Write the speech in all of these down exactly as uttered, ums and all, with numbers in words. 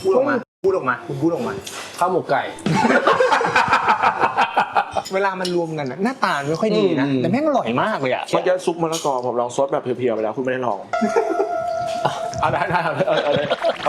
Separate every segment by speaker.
Speaker 1: พูดออกมาพูดออกมาคุณพูดออกมา
Speaker 2: ข้าวหมกไก่
Speaker 1: เวลามันรวมกันหน้าตาไม่ค่อยดีนะแต่แม่งอร่อยมากเลยอ่ะ
Speaker 3: เมื่อกี้ซุปมะละกอผมลองซดแบบเพียวๆไปแล้วคุณไม่ได้ลอง
Speaker 1: เอาได้ได้เอาเลยเอาเลย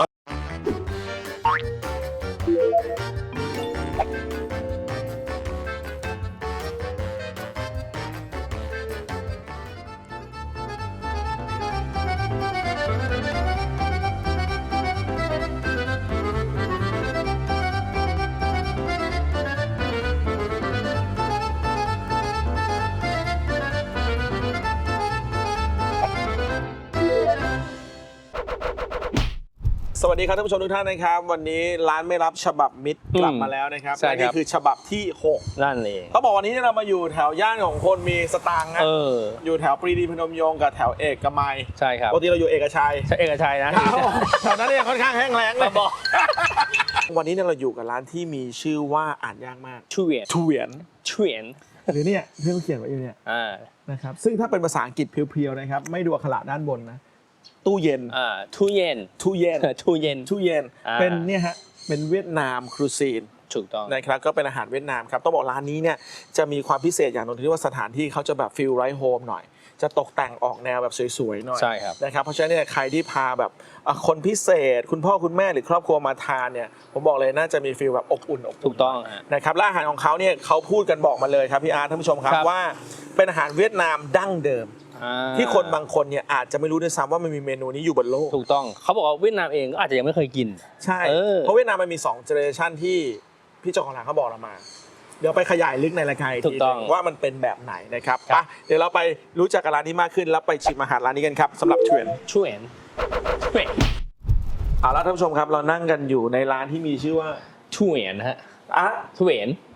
Speaker 3: สวัสดีครับท่านผู้ชมทุกท่านนะครับวันนี้ร้านไม่รับฉบับมิตรกลับมาแล้วนะครับและนี่คือฉบับที่หก
Speaker 2: นั่นเอง
Speaker 3: เขาบอกวันนี้เรามาอยู่แถวย่านของคนมีสตางค์นะ
Speaker 2: เออ
Speaker 3: อยู่แถวปรีดีพนมยงค์กับแถวเอกมัย
Speaker 2: ใช่ครับ
Speaker 3: ปกติเราอยู่เอกชัย
Speaker 2: ใช่เอกชัยนะ
Speaker 3: แถวนั้นเนี่ยค่อนข้างแห้งแล้งเลยบอกวันนี้เนี่ยเราอยู่กับร้านที่มีชื่อว่าอ่านยากมาก
Speaker 2: ชูเวียน
Speaker 3: ชูเวียน
Speaker 2: ชูเวียน
Speaker 3: หรือเนี่ยเพื่อนเขียนไว้อยู่เนี่ยนะครับซึ่งถ้าเป็นภาษาอังกฤษเพียวๆนะครับไม่ดูอักขระด้านบนนะตู้เย็น
Speaker 2: อ่าตู้เย็น
Speaker 3: ตู้เย็น
Speaker 2: ตู้เย็น
Speaker 3: ตู้เย็นเป็นเนี่ยฮะเป็นเวียดนามครูซีน
Speaker 2: ถูกต้อง
Speaker 3: นะครับก็เป็นอาหารเวียดนามครับต้องบอกร้านนี้เนี่ยจะมีความพิเศษอย่างหนึ่งที่ว่าสถานที่เขาจะแบบฟิลไร้โฮมหน่อยจะตกแต่งออกแนวแบบสวยๆหน่อย
Speaker 2: ใช่ครับ
Speaker 3: นะครับเพราะฉะนั้นเนี่ยใครที่พาแบบคนพิเศษคุณพ่อคุณแม่หรือครอบครัวมาทานเนี่ยผมบอกเลยน่าจะมีฟิลแบบอบอุ่นอบ
Speaker 2: ถูกต้อง
Speaker 3: นะครับและอาหารของเขาเนี่ยเขาพูดกันบอกมาเลยครับพี่อาร์ท่านผู้ชมครับว่าเป็นอาหารเวียดนามดั้งเดิมที่คนบางคนเนี่ยอาจจะไม่รู้ด้วยซ้ำว่ามันมีเมนูนี้อยู่บนโลก
Speaker 2: ถูกต้องเขาบอกว่าเวียดนามเองก็อาจจะยังไม่เคยกิน
Speaker 3: ใช่เพราะเวียดนามมันมีสองเจเนอเรชันที่พี่เจ้าของร้านเขาบอกเรามาเดี๋ยวไปขยายลึกในรายการอีกทีว่ามันเป็นแบบไหนนะครับไปเดี๋ยวเราไปรู้จักกับร้านนี้มากขึ้นแล้วไปชิมอาหารร้านนี้กันครับสำหรับเทรน
Speaker 2: ช่วยช่วย
Speaker 3: เอาละท่านผู้ชมครับเรานั่งกันอยู่ในร้านที่มีชื่อว่า
Speaker 2: ช่วยนะฮะ
Speaker 3: อ่ะ
Speaker 2: ช่วย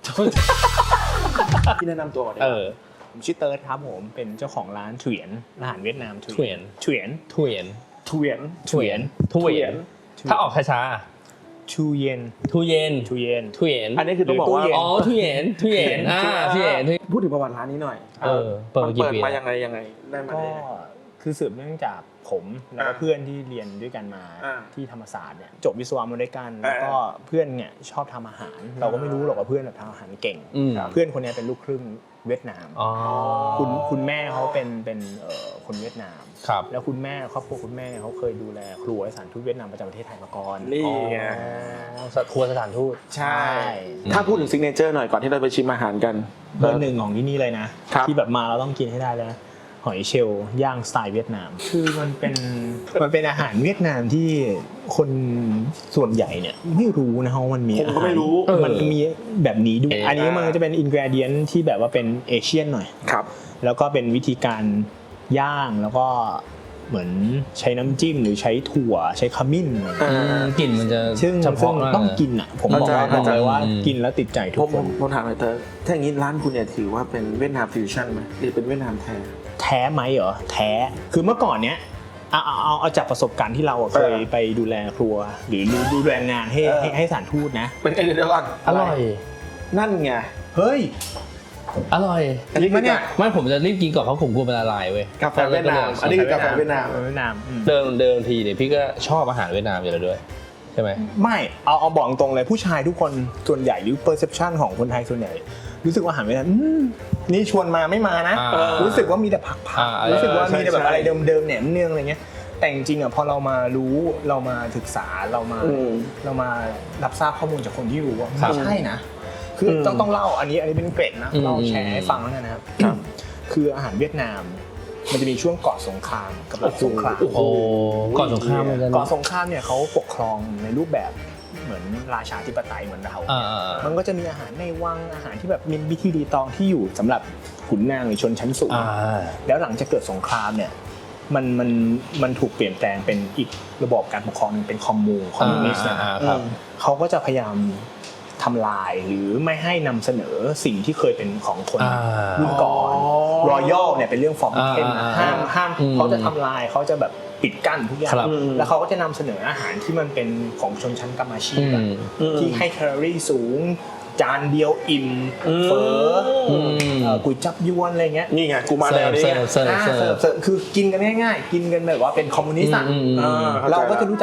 Speaker 3: พี่แนะนำตัวก่อน
Speaker 2: เออ
Speaker 1: ผมชื่อเติร์ดครับผมเป็นเจ้าของร้านเถียนอาหารเวียดนาม
Speaker 2: เถียน
Speaker 1: เถียน
Speaker 2: เถียน
Speaker 3: เถียน
Speaker 2: เถียนเถียนถ้าออกช้า
Speaker 1: ทูเย็น
Speaker 2: ทูเย็น
Speaker 1: ทูเย็น
Speaker 2: ทูเย็น
Speaker 3: อันนี้คือต้องบอกว่า
Speaker 2: อ๋อทูเย็นทูเย็นอ่าทูเย็น
Speaker 3: พูดถึงประวัติร้านนี้หน่อย
Speaker 2: เออเปิด
Speaker 3: มายังไงยังไงได้มาได้
Speaker 1: คือสืบเนื่องจากผมแล้วก็เพื่อนที่เรียนด้วยกันมาที่ธรรมศาสตร์เนี่ยจบวิศวะมาด้วยกันแล้วก็เพื่อนเนี่ยชอบทำอาหารเราก็ไม่รู้หรอกว่าเพื่อนแบบทำอาหารเก่งเพื่อนคนนี้เป็นลูกครึ่งเวียดนามคุณคุณแม่เขาเป็นเป็นคนเวียดนามแล้วคุณแม่ครอบครัวคุณแม่เขาเคยดูแลครัวสถานทูตเวียดนามประจำประเทศไทยมาก่อน
Speaker 3: นี่ไง
Speaker 2: ครัวสถานทูต
Speaker 3: ใช่ถ้าพูดถึงซิกเนเจอร์หน่อยก่อนที่เราไปชิมอาหารกัน
Speaker 1: เบอร์หนึ่งของที่นี่เลยนะที่แบบมาเราต้องกินให้ได้เลยหอยเชลล์ย่างสไตล์เวียดนามคือมันเป็นมันเป็นอาหารเวียดนามที่คนส่วนใหญ่เนี่ยไม่รู้นะว่ามันมี
Speaker 3: ผมก็ไม่รู้
Speaker 1: มันมีแบบนี้ด้วยอันนี้มันจะเป็นอินกรีเดียนที่แบบว่าเป็นเอเชียนหน่อย
Speaker 3: ครับ
Speaker 1: แล้วก็เป็นวิธีการย่างแล้วก็เหมือนใช้น้ำจิ้มหรือใช้ถั่วใช้ขมิ้น
Speaker 2: กลิ่นมันจะ
Speaker 1: เฉพาะต้องกินอ่ะผมบอกเลยว่ากินแล้วติดใจทุกคน
Speaker 3: ผมถามหน่อยเธอถ้าอย่างนี้ร้านคุณเนี่ยถือว่าเป็นเวียดนามฟิวชั่นไหมหรือเป็นเวียดนามแท้
Speaker 1: แท้ไหมเหรอแท้คือเมื่อก่อนเนี้ยเอาเอาเอาเอาจากประสบการณ์ที่เราเคยไปดูแลครัวหรือดูแลงานให้ให้สถานทูตนะ
Speaker 3: เป็นไงเดี๋ยวก่อน
Speaker 2: อร่อย
Speaker 3: นั่นไง
Speaker 1: เฮ้ย
Speaker 2: อร่อย
Speaker 3: อันนี้มันเนี่ย
Speaker 2: ไม่ผมจะรีบกินก่อนเพราะผมกลัวมันละลายเว้ย
Speaker 3: กาแฟเวียดนามอันนี้คือกาแฟเวียดนาม
Speaker 1: เวียดนาม
Speaker 2: เดิมเดิมทีเนี่ยพี่ก็ชอบอาหารเวียดนามอยู่แล้วด้วยใช่ไหม
Speaker 1: ไม่เอาเอาบอกตรงเลยผู้ชายทุกคนส่วนใหญ่หรือ perception ของคนไทยส่วนใหญ่รู้สึกว่าอาหารเวียดนามนี่ชวนมาไม่มานะรู้สึกว่ามีแต่ผักผักรู้สึกว่ามีแต่แบบอะไรเดิมๆแหนมเนืองอะไรเงี้ยแต่จริงๆอ่ะพอเรามารู้เรามาศึกษาเรามาเรามารับทราบข้อมูลจากคนที่รู้ว่าไม่ใช่นะคือต้องต้องเล่าอันนี้อันนี้เป็นเกร็ดนะเราแชร์ให้ฟังแล้วกันนะครับคืออาหารเวียดนามมันจะมีช่วงก่อนสงครามกับหลังสงคราม
Speaker 2: โอ้โหก่อนสงคราม
Speaker 1: ก่อนสงครามเนี่ยเขาปกครองในรูปแบบเหมือนราชาธิปไตยเหมือนเรามันก็จะมีอาหารในวังอาหารที่แบบมีวิธีรีตองที่อยู่สำหรับขุนนางหรือชนชั้นสูงแล้วหลังจากเกิดสงครามเนี่ยมันมันมันถูกเปลี่ยนแปลงเป็นอีกระบอบการปกครองนึงเป็นคอมมูนคอมมิวนิสต์นะครับเขาก็จะพยายามทำลายหรือไม่ให้นำเสนอสิ่งที่เคยเป็นของคนรุ่นก่อนรอยัลเนี่ยเป็นเรื่องฟอร์มเทนห้ามห้ามเขาจะทำลายเขาจะแบบปิดกั้นทุกอย่างแล้วเขาก็จะนำเสนออาหารที่มันเป็นของชนชั้นกำมะชีพที่ให้แคลอรี่สูงจานเดียวอิ่มเฟอก๋วยจับยวนอะไรเงี้ย
Speaker 3: นี่ไงกูมาแล้วนี่
Speaker 1: คือกินกันง่ายๆกินกันแบบว่าเป็นคอมมิวนิสต์เราก็จะรู้จักแต่อาหาร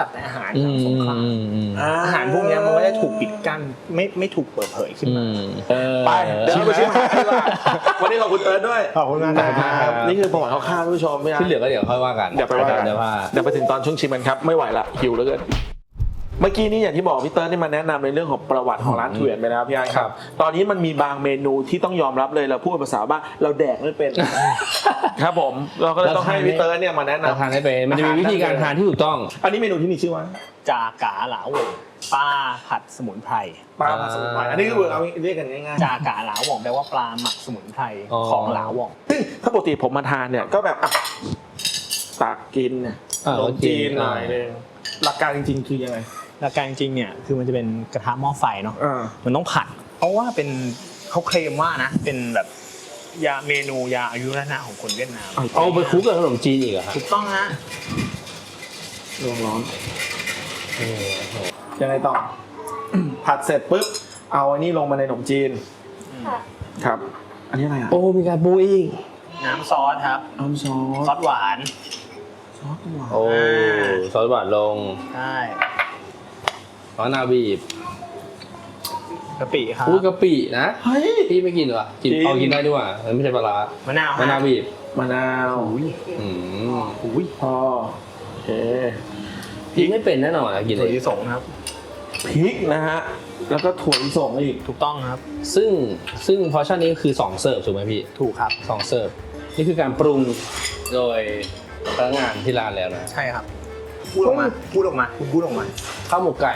Speaker 1: ารหลังสงครามอาหารพวกนี้มันก็จะถูกปิดกั้นไม่ไม่ถูกเปิดเผยขึ้นมา
Speaker 3: ไปเดี๋ยวเราไปชิมอาหารดีกว่าวันนี้ขอบคุณเติร์ดด้วย
Speaker 1: ขอบคุณมากครับ
Speaker 3: นี่คือประวัติคร่าวๆท่านผู้ชม
Speaker 2: ที่เหลือก็เดี๋ยวค่อยว่ากัน
Speaker 3: เดี๋ยวไปว่ากัน
Speaker 2: เดี๋ยวว่า
Speaker 3: เดี๋ยวไปถึงตอนช่วงชิมกันครับไม่ไหวละหิวเหลือเกินเมื่อกี้นี้อย่างที่บอกพี่เติร์ดนี่มาแนะนำในเรื่องของประวัติของร้านเถื่อนไปแล้วพี่ไอ้ครับตอนนี้มันมีบางเมนูที่ต้องยอมรับเลยเราพูดภาษาบ้านเราแดกไม่เป็น ครับผมเราก็เลยต้องให้พี่เติร์ดเนี่ยมาแนะนำ
Speaker 2: ทานให้เป็นมันจะมีวิธีการทานที่ถูกต้อง
Speaker 3: อันนี้เมนูที่มีชื่อว่า
Speaker 1: จากาหลาหว่งปลาผัดสมุนไพร
Speaker 3: ปลาผัดสมุนไพรอันนี้คือเอาเรียกกันง่ายๆ
Speaker 1: จากาหลาหว่งแปลว่าปลาหมักสมุนไพรของหลาหว่ง
Speaker 3: ซึ่งถ้าปกติผมมาทานเนี่ยก็แบบอ่ะตักกินเนี่ยขนมจีนหน่อยนึงหลักการจริงๆคือยังไง
Speaker 1: หลักการจริงเนี่ยคือมันจะเป็นกระทะหม้อไฟเนาะ
Speaker 3: อ่า
Speaker 1: มันต้องผัด เพราะว่าเป็นเขาเคลมว่านะเป็นแบบยาเมนูยาอายุรนะของคนเวียดนาม
Speaker 2: เอาไปคลุกกับขนมจีนอีกเหรอครับ
Speaker 1: ถูกต้องฮะ
Speaker 3: ร้อนร้อนยังไงต่อ ผัดเสร็จปุ๊บเอาอันนี้ลงมาในขนมจีนครับ อันนี้อะไรอ่ะ
Speaker 2: โอ้มีการปูอีก
Speaker 1: น้ำซอสครับ
Speaker 3: น้ำซอ
Speaker 1: ซอ
Speaker 3: ส
Speaker 1: สหวาน
Speaker 3: ซอสหวาน
Speaker 2: โอ้ซอสหวานลง
Speaker 1: ใช่
Speaker 2: มะนาวบีบ
Speaker 1: กะปิครับ
Speaker 2: อุ้ยกะปินะ
Speaker 3: เฮ้ย
Speaker 2: พี่ไม่กินเหรอกิน
Speaker 3: กิน
Speaker 2: เอากินได้ด้วยว่ะมันไม่ใช่ปลาร้าม
Speaker 1: ะนาว
Speaker 2: มะนาวบีบ
Speaker 3: มะนาว
Speaker 2: อืม
Speaker 3: อุ้ยพอโอเค
Speaker 2: พี่ไม่เป็นแน่นอนอะกิน
Speaker 1: ถั่ว
Speaker 2: เลย
Speaker 1: ลิสงครับ
Speaker 3: พริกนะฮะแล้วก็ถั่วลิสงอีก
Speaker 1: ถูกต้องครับ
Speaker 2: ซึ่งซึ่งพอร์ชั่นนี้คือสองเสิร์ฟถูกไหมพี่
Speaker 1: ถูกครับ
Speaker 2: สองเสิร์ฟนี่คือการปรุงโดยพนักงานที่ร้านแล้วนะ
Speaker 1: ใช่ครับ พูดออกมา พูดออกมาคุณพูดออกมา
Speaker 2: ข้าวหมกไก่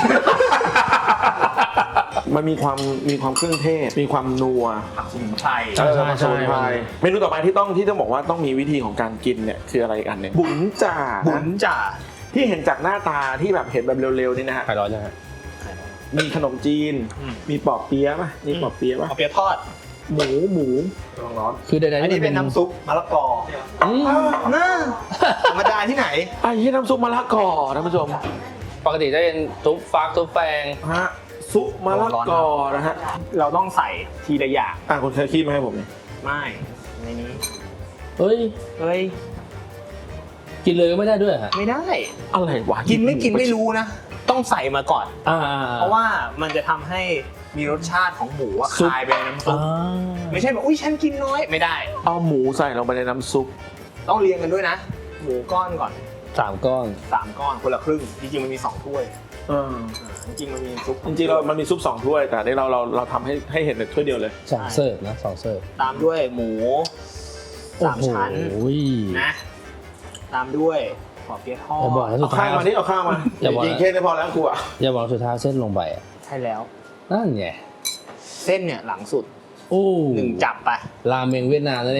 Speaker 3: มันมีความมีความเครื่องเทศ มีความนัว
Speaker 1: สมุนไพร
Speaker 2: ใช่ใช่
Speaker 3: เออ
Speaker 2: ใช่
Speaker 3: สมุนไพรเมนูต่อไปที่ต้องที่ต้องบอกว่าต้องมีวิธีของการกินเนี่ยคืออะไรอีกอันหนึ่งบุญจ่า
Speaker 1: บุ
Speaker 3: นะ
Speaker 1: ญจ่า
Speaker 3: ที่เห็นจากหน้าตาที่แบบเห็นแบบเร็วๆนี่นะฮะ
Speaker 2: ไข่ร้อนยังไง
Speaker 3: มีขนมจีน
Speaker 1: อืม
Speaker 3: มีปอบเปี๊ยะป่ะมีปอบเปี๊ยะป่ะ
Speaker 1: เอาเปี๊ยะทอด
Speaker 3: หมูหมูร้อนร้อน
Speaker 2: คือใดๆ
Speaker 1: อันนี้เป็นน้ำซุปมะละกอ
Speaker 2: อืม
Speaker 1: น่าธรรมดาที่ไหน
Speaker 3: ไอ้ที่น้ำซุปมะละกอท่านผู้ชม
Speaker 2: ปกติจะเป็นซุปฟักซุปแฟง
Speaker 3: ฮะซุปมะละกอนะฮะ
Speaker 1: เราต้องใส่ทีละอย่าง
Speaker 3: อ่ะคุณเคยขี้มาให้ผมเนี่ย
Speaker 1: ไม่ในนี้
Speaker 2: เฮ้ย
Speaker 1: เฮ้ย
Speaker 2: กินเลยก็ไม่ได้ด้วยฮะ
Speaker 1: ไม่ได้
Speaker 3: อะไรวะ
Speaker 1: กินไม่กินไม่รู้นะ ต้องใส่มาก่อน
Speaker 2: อ่า
Speaker 1: เพราะว่ามันจะทำให้มีรสชาติของหมูอะ
Speaker 2: ซุป
Speaker 1: คลายไปในน้ำซุป ไม่ใช่แบบอุ้ยฉันกินน้อยไม่ได้
Speaker 3: เอาหมูใส่ลงไปในน้ำซุป
Speaker 1: ต้องเรียงกันด้วยนะ หมูก้อนก่อน
Speaker 2: สามก้อน
Speaker 1: สามก้อนคนละครึ่ง จริงๆมันมีสองถ้วย
Speaker 3: เออ
Speaker 1: จริงๆมันมีซุป
Speaker 3: จริงๆเรามันมีซุปสองถ้วยแต่นี่เราเราเราทำให้ให้เห็นในถ้วยเดียวเลย
Speaker 2: สองเสิร์ฟนะสองเสิร์ฟ
Speaker 1: ตามด้วยหมูสามชั้น
Speaker 2: โอ้ย
Speaker 1: นะตามด้วยขอเปี๊ยะทอ
Speaker 2: อย่าบอก
Speaker 1: ด
Speaker 2: นะสุ
Speaker 3: เอา
Speaker 2: ดท้า
Speaker 3: ข้าวย มานี่เอาข้าวมา
Speaker 2: อย่าบอกนะ
Speaker 3: กินแค่นี้พอแล้วกูอ่ะ
Speaker 2: อย่าบอกสุดท้ายเส้นลงไปอ่ะ
Speaker 1: ใช่แล้ว
Speaker 2: นั่นไง
Speaker 1: เส้นเนี่ยหลังสุด
Speaker 2: โอ้
Speaker 1: หนึ่งจับไป
Speaker 2: ราเมงเวียดนามนั่นเอง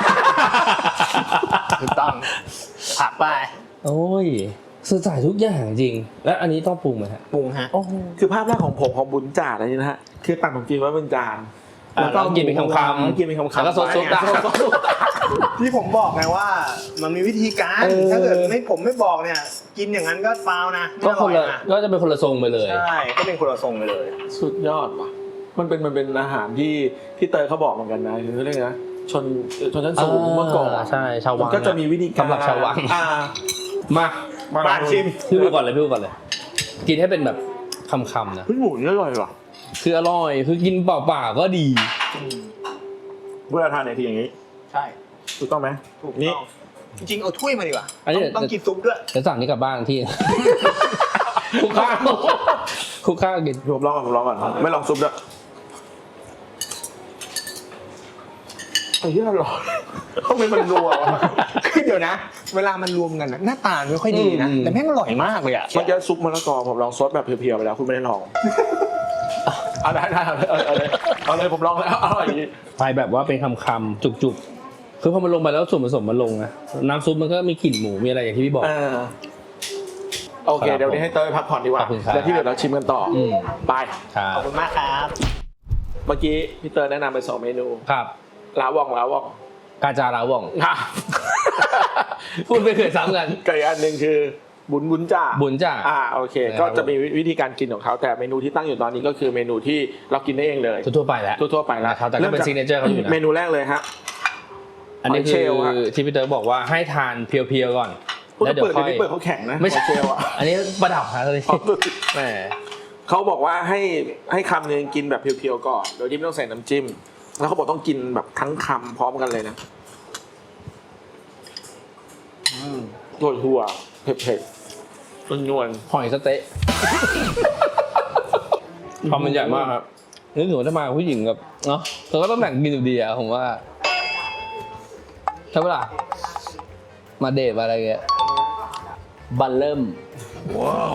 Speaker 1: ถูกต้องผักไป
Speaker 2: โอ้ยสุดท้ายทุกอย่างจริง แล้วอันนี้ต้องปรุงไหมฮะ
Speaker 1: ปรุงฮะ
Speaker 2: โอ้โห
Speaker 3: คือภาพแรกของผมของบุญจ่าอะไรนี่นะฮะคือตักขนมจีนไว้บนจาน
Speaker 2: แล้วก็กินเป็นคำๆ
Speaker 3: แล้วกินเป็นคำๆ
Speaker 2: แล้วก็ซดซุปได้
Speaker 1: ที่ผมบอกไงว่ามันมีวิธีการ
Speaker 2: เออ
Speaker 1: ถ้าเกิดไม่ผมไม่บอกเนี่ย กินอย่างนั้นก็ฟาวนะไม่
Speaker 2: ก็
Speaker 1: อ
Speaker 2: ค
Speaker 1: ร่อน ย
Speaker 2: ละ
Speaker 1: นะ
Speaker 2: ก็จะเป็นคนละทรงไปเลย
Speaker 1: ใช่ก็เป็นคนละทรงไปเลย
Speaker 3: สุดยอดว่ะมันเป็นมันเป็นอาหารที่ที่เตยเขาบอกเหมือนกันนะคือเรื่องนะชนชนชั้นสูงเมื่อก่อน
Speaker 2: ใช่ชาววัง
Speaker 3: มันก็จะมีวิธีการ
Speaker 2: สำหรับชาววัง
Speaker 3: อ่า
Speaker 2: มา
Speaker 3: มา
Speaker 1: มาชิม
Speaker 2: พี่พูดก่อนเลยพี่พูดก่อนเลย กินให้เป็นแบบคำๆนะ
Speaker 3: เฮ้ยหมูนี่อร่อยว่ะ
Speaker 2: คืออร่อยคือกินเปล่าๆก็ดี
Speaker 3: เวลาทานเนี่ยทีอย่างนี้
Speaker 1: ใช่
Speaker 3: ถูกต้องไหม
Speaker 1: ถูก
Speaker 3: นี่
Speaker 1: ต้องจริงๆเอาถ้วยมาดีกว่า
Speaker 2: อันนี้
Speaker 1: ต้องต้องกินซุปด้วย
Speaker 2: จะสั่งนี้กลับบ้านที่ คุกข้าวคุกข้าวกิน
Speaker 3: ผมลองก่อนผมลองก่อนไม่ลองซุปด้วยไอ้เหี้ยอร่อยทำไมมันนัววะ
Speaker 1: คือเดี๋ยวนะ เวลามันรวมกันน่ะหน้าตาไม่ค่อยดีนะ
Speaker 2: อืม
Speaker 1: แต่แม่งอร่อยมากเลยอ่ะ
Speaker 3: เมื่อกี้ซุปมะละกอผมลองซดแบบเพียวๆไปแล้วคุณไม่ได้ลองเอาได้ได้เอาเลยเอาเลยเอาเลยผมลองแล้วอร่อยดี
Speaker 2: ไปแบบว่าเป็นคำๆจุกๆคือพอมันลงไปแล้วส่วนผสมมันลงนะน้ำซุปมันก็มีกลิ่นหมูมีอะไรอย่างที่พี่บอก
Speaker 3: เออโอเค
Speaker 2: ครับ
Speaker 3: เดี๋ยวนี้ให้เต้ยพักผ่อนดีกว่า
Speaker 2: ขอบคุณครับ
Speaker 3: แล้วที่เหลือเราชิมกันต่ออ
Speaker 2: อืม
Speaker 3: ไป
Speaker 2: ครั
Speaker 1: ขอบบ คุณมากครับ
Speaker 3: เมื่อกี้พี่เต้ยแนะนำไปสองเมนู
Speaker 2: ครับ
Speaker 3: ลาวองลาวอง
Speaker 2: กาจาราว่อง
Speaker 3: อ่ะ
Speaker 2: พูดไม่เคยซ้ำกัน
Speaker 3: กับอีกอันหนึ่งคือบุญบุญจ่า
Speaker 2: บุญจ่า
Speaker 3: อ่าโอเค
Speaker 2: นะครับ
Speaker 3: ก็จะมีวิธีการกินของเขาแต่เมนูที่ตั้งอยู่ตอนนี้ก็คือเมนูที่เรากินได้เองเลย
Speaker 2: ทั่วๆไปแล้ว
Speaker 3: ทั่วๆไปแล้ว
Speaker 2: นะครับแต่ก็เป็น signature เขาอยู่นะ
Speaker 3: เมนูแรกเลยฮะ
Speaker 2: อันนี้
Speaker 3: หอยเช
Speaker 2: คื
Speaker 3: ลล์
Speaker 2: อ
Speaker 3: ฮะ
Speaker 2: ที่พี่เต๋อบอกว่าให้ทานเพียวๆก่อน
Speaker 3: แล้วเดี๋ยวค่อยเปิดเขาแข็งนะไม่ใช่เอ่ะ
Speaker 2: อันนี้ประดับฮะเลยแหม
Speaker 3: เขาบอกว่าให้ให้คำนึงกินแบบเพียวๆก่อนโดยที่ไม่ต้องใส่น้ำจิ้มแล้วเขาบอกต้องกินแบบทั้งคำพร้อมกันเลยนะอืมถั่วถั่วเผ็ดๆนวล
Speaker 2: หอยสเต๊ะคำมันใหญ่มากครับนึกถึงว่าถ้ามาผู้หญิงกับเนาะเราก็ต้องแบ่งกินอยู่ดีอะผมว่าใช่ปะล่ะมาเดทมาอะไรเงี้ยบันเริ่ม
Speaker 3: ว้าว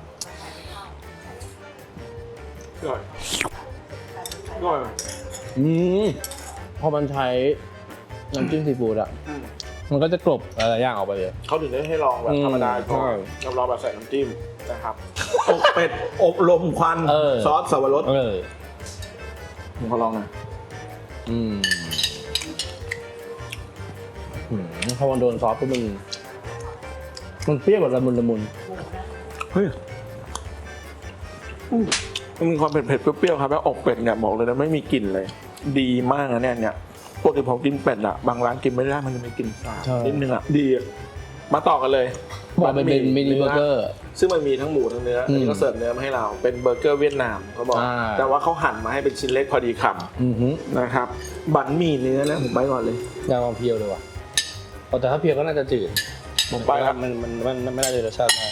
Speaker 3: อร่อยอร่อย
Speaker 2: อืมพอมันใช้น้ำจิ้มซีฟู้ดอะมันก็จะกลบอะไรอย่างออกไปเลย
Speaker 3: เขาถึงได้ให้ลองแบบธรรมดาก่อนแล้วลองแบบใส่น้ำจิ้มนะครับอบเป็ดอบลมควันซอสสับปะรดผมขอลองนะ
Speaker 2: อืมพอมันโดนซอสปุ๊บมันมันเปรี้ยวแบบละมุนละมุน
Speaker 3: เฮ้ยมันมีความเผ็ดเผ็ดเปรี้ยวๆครับแล้วอกเป็ดเนี่ยบอกเลยนะไม่มีกลิ่นเลยดีมากนะเนี่ยเนี่ยปกติผมกินเป็ดอะบางร้านกินไม่ได้มันจะมีกลิ่นสาบนิดนึงอะดีมาต่อกันเลย
Speaker 2: บอกเป็นมินิเบอร์เกอร์
Speaker 3: ซึ่งมันมีทั้งหมูทั้งเนื้ออันนี้ก็เสิร์ฟเนื้อมาให้เราเป็นเบอร์เกอร์เวียดนามเขาบอกแต่ว่าเขาหั่นมาให้เป็นชิ้นเล็กพอดีคำนะครับบั๋นหมี่เนื้อนะผมไปก่อนเลย
Speaker 2: ยางเพียวเลยว่ะแต่ถ้าเพียวก็น่าจะจืด
Speaker 3: ผมไปครับ
Speaker 2: มันมันมันไม่ได้รสชาติมาก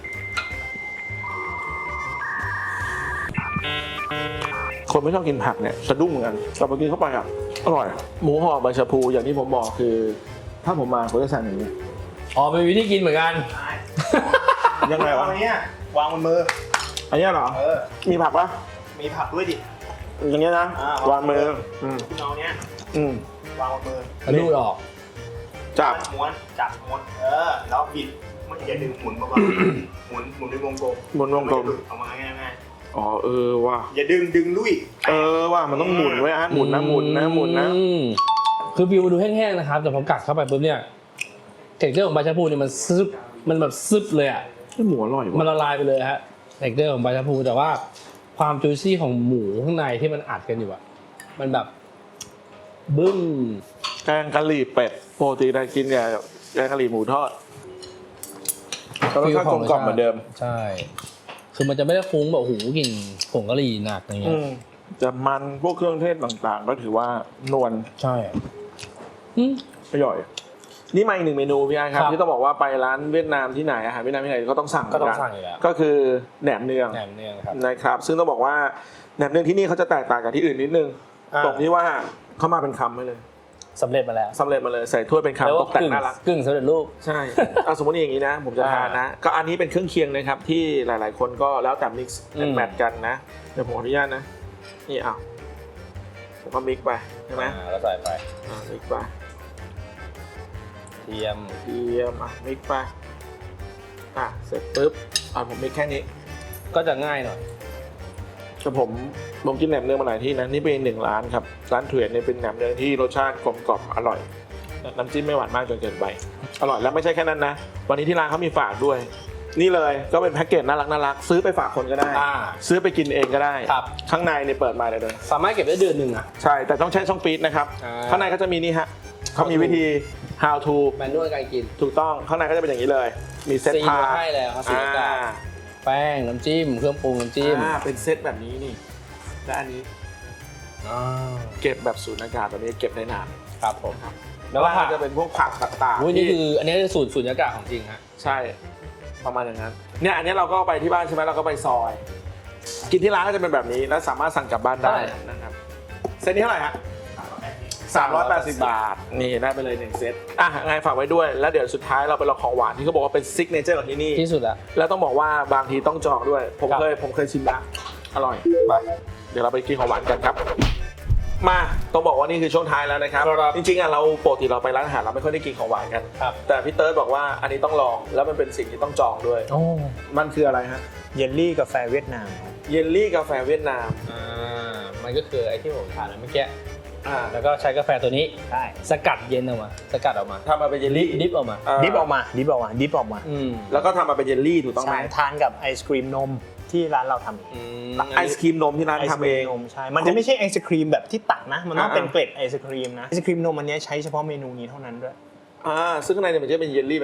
Speaker 3: คนไม่ชอบกินผักเนี่ยสะดุ้งเหมือนกันแต่พอกินเข้าไปอ่ะอร่อยหมูห่อใบชะพูอย่างที่ผมบอกคือถ้าผมมาผมจะสั่งอย่างนี้
Speaker 2: อ๋อเป็นวิธีกินเหมือนกัน
Speaker 3: ยังไงวะ
Speaker 1: อันนี้วางบนมือ
Speaker 3: อันนี้เหรอ
Speaker 1: เออ
Speaker 3: มีผักปะ
Speaker 1: มีผักด้วยดิ
Speaker 3: อย่างนี้นะวางมือ
Speaker 1: อืมเอาเนี้ย
Speaker 3: อืม
Speaker 1: วางบนมือ
Speaker 2: ลูดออก
Speaker 3: จับ
Speaker 1: ม้วนจับม้วนเออแล้วบิดมันอย่าดึงหมุนเบาๆหมุนหมุนในวงกลม
Speaker 3: หมุนวงกลม
Speaker 1: เอามาง่าย
Speaker 3: ๆอ๋อเออว่ะ
Speaker 1: อย่าดึงดึงลุย
Speaker 3: เออว่ะมันต้องหมุนไว้ฮะหมุนนะหมุนนะหมุนนะ
Speaker 2: คือวิวดูแห้งๆนะครับแต่พอกัดเข้าไปปุ๊บเนี่ยเท็กเจอร์ของใบชะพูเนี่ยมันซึบมันแบบซึบเลยอ่ะ
Speaker 3: หมูอร่อย
Speaker 2: มันละลายไปเลยฮะเท็กเจอร์ของใบชะพูแต่ว่าความจุยซี่ของหมูข้างในที่มันอัดกันอยู่อ่ะมันแบบบึ้ม
Speaker 3: แกงกะหรี่เป็ดปกติได้กินเนี่ยแกงกะหรี่หมูทอดแล้วก็กลมกล่อมเหมือนเดิม
Speaker 2: ใช่คือมันจะไม่ได้ฟุ้งแบบโอ้โหกลิ่นผงกะหรี่หนักอย่างเงี้ย
Speaker 3: จะมันพวกเครื่องเทศต่างๆก็ถือว่านวล
Speaker 2: ใช่
Speaker 3: อร่อยนี่มาอีกหนึ่งเมนูพี่ไอ้ครับที่ต้องบอกว่าไปร้านเวียดนามที่ไหนอาหารเวียดนามที่ไหนก็ต้องสั่ง
Speaker 2: ก็ต้องสั่งอยู่แล้ว
Speaker 3: ก็คือแหนมเนือง
Speaker 2: แหนมเนืองครับ
Speaker 3: นะครับซึ่งต้องบอกว่าแหนมเนืองที่นี่เขาจะแตกต่างกับที่อื่นนิดนึงตรงที่ว่าเขามาเป็นคำให้เลย
Speaker 2: สำเร็จมาแล้ว
Speaker 3: สำเร็จมาเลยใส่ถ้วยเป็นคำตกแต่งน่ารัก
Speaker 2: กึ่งสำเร็จรูป
Speaker 3: ใช่เอาสมมติอย่างนี้นะผมจะทานนะก็อันนี้เป็นเครื่องเคียงนะครับที่หลายๆคนก็แล้วแต่มิกซ์แมทกันนะเดี๋ยวผมขออนุญาตนะนี่เอาผมก็มิกไปใช่ไหม
Speaker 2: แล้วใส่ไป
Speaker 3: มิกไป
Speaker 2: เทียม
Speaker 3: เทียมอ่ะมิกไปอ่ะเสร็จปุ๊บอ่ะผมมิกแค่นี้
Speaker 2: ก็จะง่ายหน่อย
Speaker 3: แต่ผมผมกินแหนมเนืองมาหลายที่นะนี่เป็นหนึ่งร้านครับร้านเถื่อนเนี่ยเป็นแหนมเนืองที่รสชาติกลมกล่อมอร่อยน้ำจิ้มไม่หวานมากจนเกินไปอร่อยแล้วไม่ใช่แค่นั้นนะวันนี้ที่ร้านเขามีฝากด้วยนี่เลยก็เป็นแพ็กเกจน่ารักน่ารักซื้อไปฝากคนก็ได้ซื้อไปกินเองก็ได้ข้างในเนี่ยเปิดมาเลยเลย
Speaker 2: สามารถเก็บได้เดือนหนึ่งอ่ะ
Speaker 3: ใช่แต่ต้องใช้ช่องฟีดนะครับข้างในก็จะมีนี่ฮะเขามีวิธี how to
Speaker 2: แมนนวลการกิน
Speaker 3: ถูกต้องข้างในก็จะเป็นอย่างนี้เลยมีเซตพา
Speaker 2: ให้แล้วครับสีกาแป้งน้ำจิ้มเครื่องปรุงน้ำจิ้ม
Speaker 3: เป็นเซตแบบนี้นี่และอันนี้เก็บแบบสูญอากาศแบบนี้เก็บได้นาน
Speaker 2: ครับผมครับ
Speaker 3: แล้วก็จะเป็นพวกผักต่าง
Speaker 2: ๆนี่คืออันนี้คือสูตรสูญอากาศของจริงฮะ
Speaker 3: ใช่ประมาณอย่างนั้นเนี่ยอันนี้เราก็ไปที่บ้านใช่ไหมเราก็ไปซอยกินที่ร้านก็จะเป็นแบบนี้แล้วสามารถสั่งกลับบ้านได้นะครับเซตนี้เท่าไหร่ฮะสามร้อยแปดสิบบาทนี่ได้ไปเลยหนึ่งเซตอ่ะไงฝากไว้ด้วยแล้วเดี๋ยวสุดท้ายเราไปลองของหวานที่เขาบอกว่าเป็นซิกเนเจอร์ของที่นี่
Speaker 2: ที่สุดละ
Speaker 3: แล้วต้องบอกว่าบางทีต้องจองด้วยผมเคยผมเคยชิมแล้วอร่อยไปเดี๋ยวเราไปกินของหวานกันครับมาต้องบอกว่านี่คือช่วงท้ายแล้วนะครับจริงๆอ่ะเราปกติเราไปร้านอาหารเราไม่ค่อยได้กินของหวานกันแต่พี่เติร์ดบอกว่าอันนี้ต้องลองแล้วมันเป็นสิ่งที่ต้องจองด้วยมันคืออะไรฮะ
Speaker 1: เยลลี่กาแฟเวียดนาม
Speaker 3: เยลลี่กาแฟเวียดนาม
Speaker 2: อ่ามันก็คือไอ้ที่ผมทานเมื่อกี้แล้วก็ใช้กาแฟตัวนี้ใช่สกัดเย็นออกมาสกัดออกมา
Speaker 3: ทำมาเป็นเยลลี่
Speaker 2: ดิฟออกมา
Speaker 1: ดิฟออกมาดิฟออกมาดิฟออกมา
Speaker 3: แล้วก็ทำมาเป็นเยลลี่ถูกต้องไหม
Speaker 1: ทานกับไอศครีมนมที่ร้านเราทำเอง
Speaker 3: ไอศครีมนมที่ร้านทำเอง
Speaker 1: ใช่มันจะไม่ใช่ไอศครีมแบบที่ตักนะมันต้องเป็นเกล็ดไอศครีมนะไอศครีมนมอันนี้ใช้เฉพาะเมนูนี้เท่านั้นด้วย
Speaker 3: อ่าซึ่งข้างในเนี่ยมันจะเป็นเยลลี่แบบนี้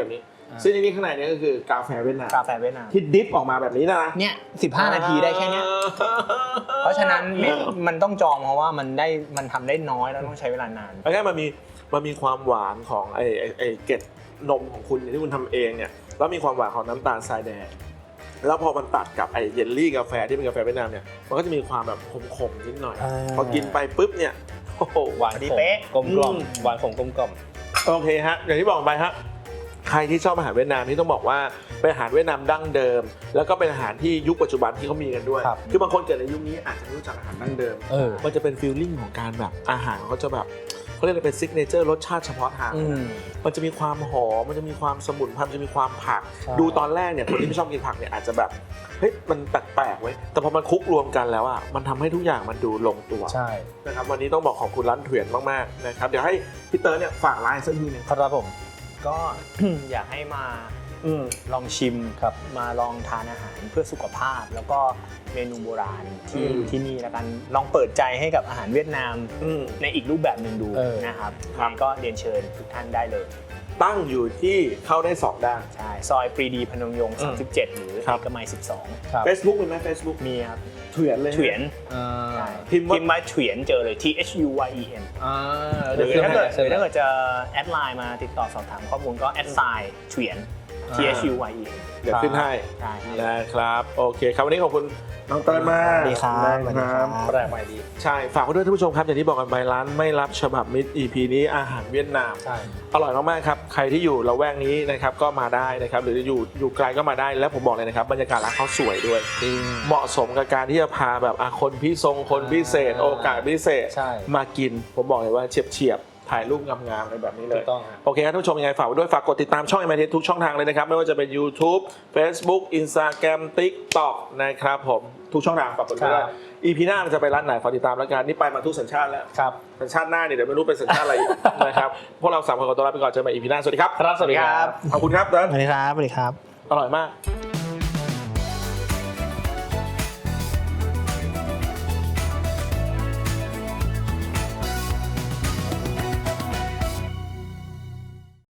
Speaker 3: ซึ่งในนี้ข้างในเนี่ยก็คือกาแฟเวียดนาม
Speaker 1: กาแฟเวียดนาม
Speaker 3: ที่ดิฟออกมาแบบนี้นะ
Speaker 1: เนี่ยสิบห้านาทีได้แค่เนี้ยเพราะฉะนั้นมันต้องจองเพราะว่ามันได้มันทำได้น้อยแล้วต้องใช้เวลานาน
Speaker 3: แล้วก็มันมีมันมีความหวานของไอ้ไอ้ไอ้เกล็ดนมของคุณที่คุณทำเองเนี่ยแล้วมีความหวานของน้ำตาลทรายแดงแล้วพอมันตัดกับไอ้เยลลี่กาแฟที่เป็นกาแฟเวียดนามเนี่ยมันก็จะมีความแบบขมๆนิดหน่อยพอกินไปปุ๊บเนี่ยโอ้โห
Speaker 2: หวาน
Speaker 1: ดีเป๊ะ
Speaker 2: กลมกล่อมหวานของกลมกล่อม
Speaker 3: โอเคฮะอย่างที่บอกไปฮะใครที่ชอบอาหารเวียดนามนี่ต้องบอกว่าเป็นอาหารเวียดนามดั้งเดิม แล้วก็เป็นอาหารที่ยุคปัจจุบันที่เขามีกันด้วย
Speaker 2: ครับ
Speaker 3: คือบางคนเกิดในยุคนี้อาจจะไม่รู้จักอาหารดั้งเดิม
Speaker 2: เออ
Speaker 3: มันจะเป็นฟีลลิ่งของการแบบอาหารเขาจะแบบเขาเรียกว่าเป็นซิกเนเจอร์รสชาติเฉพาะทาง
Speaker 1: อืม
Speaker 3: มันจะมีความหอมมันจะมีความสมุนไพรมันจะมีความผัก
Speaker 2: ใช่
Speaker 3: ดูตอนแรกเนี่ยคนที่ไม่ชอบกินผักเนี่ยอาจจะแบบเฮ้ยมันแปลกๆเว้ยแต่พอมันคลุกรวมกันแล้วอ่ะมันทำให้ทุกอย่างมันดูลงตัว
Speaker 2: ใช่
Speaker 3: นะครับวันนี้ต้องบอกขอบคุณร้านเถื่อนมากๆนะครับเดี๋ยวให้พี่เตอร์เนี่ยฝากร้านสักทีหนึง
Speaker 2: ครับผม
Speaker 1: ก็ อยากให้มา
Speaker 3: อืม
Speaker 1: ลองชิม
Speaker 2: ครับ
Speaker 1: มาลองทานอาหารเพื่อสุขภาพ แล้วก็เมนูโบราณที่
Speaker 3: อืม
Speaker 1: ที่นี่แล้วกันลองเปิดใจให้กับอาหารเวียดนาม
Speaker 3: อืม
Speaker 1: ในอีกรูปแบบหนึ่งดู
Speaker 2: เออ
Speaker 1: นะครับ
Speaker 3: ครับ
Speaker 1: ก็เรียนเชิญทุกท่านได้เลย
Speaker 3: ตั้งอยู่ที่เข้าได้สองด้าน
Speaker 1: ใช่ซอยปรีดีพนมยงค์
Speaker 3: อืม
Speaker 1: สามสิบเจ็ด หรือ
Speaker 3: ครับ
Speaker 1: เอกมัยสิบสอง
Speaker 2: ครับ
Speaker 3: Facebook มีไหม Facebook
Speaker 1: มีครับ
Speaker 3: เถื่อนเลย
Speaker 1: เถียน
Speaker 2: อ่า
Speaker 1: ใช่
Speaker 3: พิมพ์ว่า
Speaker 1: พิมพ์มาเถียนเจอเลย T H U Y E N
Speaker 2: อ่า
Speaker 1: หรือ
Speaker 2: ดี๋ยว
Speaker 1: ถ้าเกิดห
Speaker 2: ขึ้
Speaker 1: รือ
Speaker 2: นให้
Speaker 1: ถ้าเกิดจะแอดไลน์มาติดต่อสอบถามข้อมูลก็แอดไซน์เถียน T H U Y E N
Speaker 3: เดี๋ยวขึ้นให้
Speaker 1: ใช่
Speaker 3: นะครับโอเคครับวันนี้ขอบคุณน้องเติร์นมาก
Speaker 1: สวัสดีครับสวัสดีครับ
Speaker 2: แปลกใหม่ดี
Speaker 3: ใช่ฝากไว้ด้วยท่านผู้ชมครับอย่างที่บอกกันไปร้านไม่รับฉบับมิตร อี พี นี้อาหารเวียดนาม
Speaker 2: ใช่
Speaker 3: อร่อยมากๆครับใครที่อยู่ละแวกนี้นะครับก็มาได้นะครับหรืออยู่อยู่ไกลก็มาได้แล้วผมบอกเลยนะครับบรรยากาศร้านเขาสวยด้วย
Speaker 2: จริง
Speaker 3: เหมาะสมกับการที่จะพาแบบอ่ะคนพิทรงคนพิเศษ
Speaker 2: อ่า
Speaker 3: โอกาสพิเศษ
Speaker 2: ใช่
Speaker 3: มากินผมบอกเลยว่าเฉียบเฉียบๆถ่ายรูปงามๆอะไรแบบนี้เล
Speaker 2: ถู
Speaker 3: ย
Speaker 2: กต้องฮะ
Speaker 3: โอเคครับท่านผู้ชมยังไงฝากไว้ด้วยฝากกดติดตามช่อง เอ็ม ไอ ที ทุกช่องทางเลยนะครับไม่ว่าจะเป็น YouTube Facebook Instagram TikTok นะครับผมทุกช่องทางฝากกดด้วย
Speaker 2: ครับ
Speaker 3: อี พี หน้ามันจะไปร้านไหนขอติดตามแล้วกันนี่ไปมาทุกสัญชาติแล้ว
Speaker 2: ครับ
Speaker 3: สัญชาติหน้าเนี่ยเดี๋ยวไม่รู้เป็นสัญชาติอะไรอีก นะครับพวกเราสามคนขอตัวลาไปก่อนเจอกันใหม่ อี พี หน้าสวัสดีครับ
Speaker 2: ครับ สวัสดีครับ
Speaker 3: ขอบคุณครับเดิน
Speaker 1: สวัสดีครับสวัสดีครับ
Speaker 3: อร่อยมาก
Speaker 2: อ